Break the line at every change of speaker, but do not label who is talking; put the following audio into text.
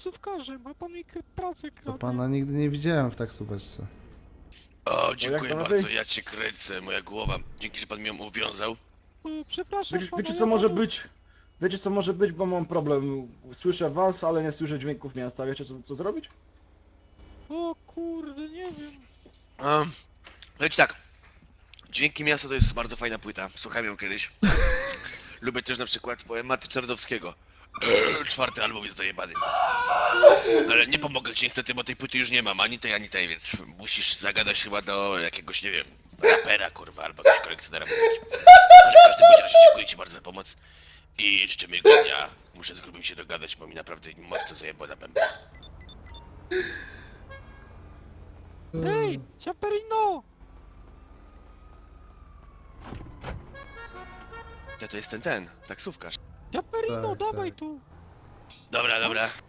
taksówkarzem, a pan mi pracę
To
kradnie.
pana nigdy nie widziałem w taksóweczce.
O, dziękuję
jak to
bardzo,
lepiej?
ja cię kręcę, moja głowa. Dzięki, że pan mi ją uwiązał.
Przepraszam pana,
Wiecie
ja
co może
panu-
być? Wiecie co może być, bo mam problem. Słyszę was, ale nie słyszę dźwięków miasta. Wiecie co zrobić?
O kurde, nie wiem.
Leć tak. Dźwięki Miasta to jest bardzo fajna płyta. Słuchałem ją kiedyś. Lubię też na przykład poematy Czarnowskiego. Czwarty album jest dojebany. Ale nie pomogę ci niestety, bo tej płyty już nie mam, ani tej, więc musisz zagadać chyba do jakiegoś, nie wiem, rapera, kurwa, albo jakiegoś kolekcjonera muzyki. Ale w każdym bądź razie dziękuję ci bardzo za pomoc i życzę miłego dnia. Muszę z grubym się dogadać, bo mi naprawdę mocno zajebło na bębę.
Ej, Ciaperino!
To jest ten, taksówkarz.
Ciaperino,
Tak,
dawaj
tak.
tu!
Dobra.